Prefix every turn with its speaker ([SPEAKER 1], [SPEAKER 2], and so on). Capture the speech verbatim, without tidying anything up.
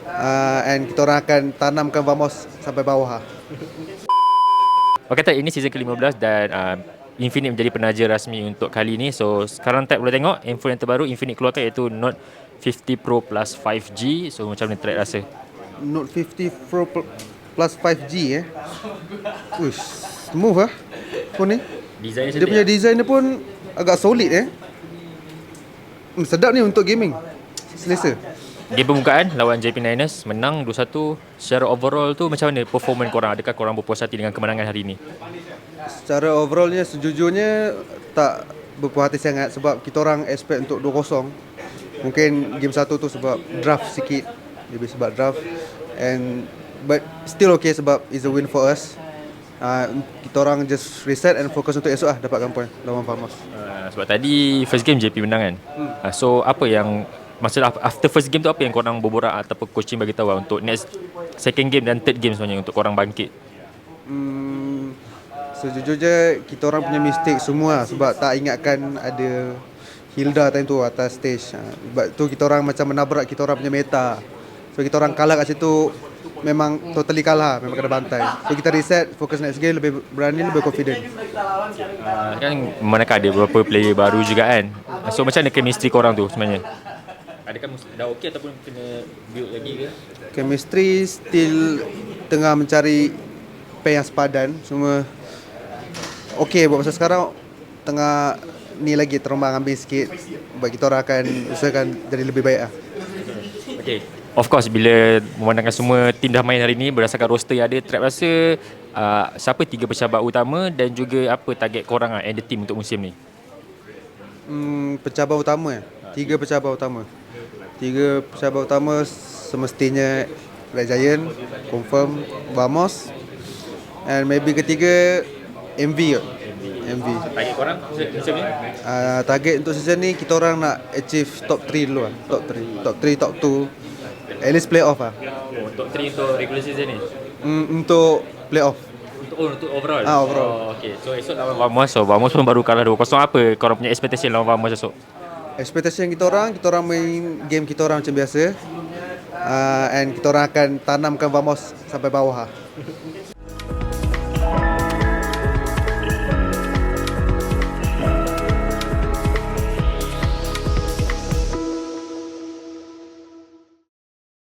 [SPEAKER 1] uh, and kita orang akan tanamkan Vamos sampai bawah.
[SPEAKER 2] Okay, tak, ini season ke lima belas dan uh, Infinite menjadi penaja rasmi untuk kali ni. So sekarang tak boleh tengok handphone yang terbaru Infinite keluarkan, iaitu Note fifty Pro Plus five G. So macam mana track rasa?
[SPEAKER 1] Note fifty Pro plus five G eh. Uish, smooth ah phone ni.
[SPEAKER 2] Design
[SPEAKER 1] Dia punya design dia pun agak solid eh. Hmm, sedap ni untuk gaming. Selesa.
[SPEAKER 2] Game pembukaan lawan J P Niners menang two one. Secara overall tu macam mana performance korang? Adakah korang berpuas hati dengan kemenangan hari ni?
[SPEAKER 1] Secara overallnya sejujurnya tak berpuas hati sangat sebab kita orang expect untuk two kosong. Mungkin game satu tu sebab draft sikit, lebih sebab draft, and but still okay sebab it's a win for us. Uh, kita orang just reset and fokus untuk esok lah dapatkan point lawan Vamos.
[SPEAKER 2] Uh, sebab tadi first game J P menang kan? Hmm. Uh, so apa yang maksud after first game tu, apa yang korang berborak ataupun coaching bagi tahu lah untuk next second game dan third game sebenarnya untuk korang bangkit?
[SPEAKER 1] Hmm, sejujurnya kita orang punya mistake semua sebab tak ingatkan ada Hilda time tu atas stage. Sebab tu kita orang macam menabrak kita orang punya meta. So kita orang kalah kat situ, memang totally kalah, memang kena bantai. So kita reset, fokus next game, lebih berani, lebih confident.
[SPEAKER 2] Uh, kan manakah ada beberapa player baru juga kan? So macam mana chemistry korang tu sebenarnya? Adakah dah okey ataupun kena build lagi ke?
[SPEAKER 1] Chemistry still tengah mencari pair yang sepadan. Semua okey buat masa sekarang, tengah ni lagi terombang ambing sikit. Sebab kita orang akan usahakan jadi lebih baik lah.
[SPEAKER 2] Okay, of course bila memandangkan semua tim dah main hari ni berdasarkan roster yang ada, Trap rasa uh, siapa tiga pencabar utama dan juga apa target korang lah, and the team untuk musim ni?
[SPEAKER 1] Hmm, pencabar utama eh? Tiga pencabar utama. Tiga pencabar utama semestinya Red Giant, confirm Vamos, and maybe ketiga M V kot. M V.
[SPEAKER 2] Target korang musim ni?
[SPEAKER 1] Uh, target untuk season ni kita orang nak achieve top three dulu lah. Top three, top three, top two. At least play off lah.
[SPEAKER 2] Oh, top three untuk regular season ni?
[SPEAKER 1] Mm, untuk play off.
[SPEAKER 2] Untuk, oh, untuk overall?
[SPEAKER 1] Ah, overall.
[SPEAKER 2] Oh, okay. So esok lawan Vamos. So Vamos pun baru kalah two kosong. Apa korang punya expectation lawan Vamos esok?
[SPEAKER 1] Expectation kita orang, kita orang main game kita orang macam biasa. Uh, and kita orang akan tanamkan Vamos sampai bawah lah.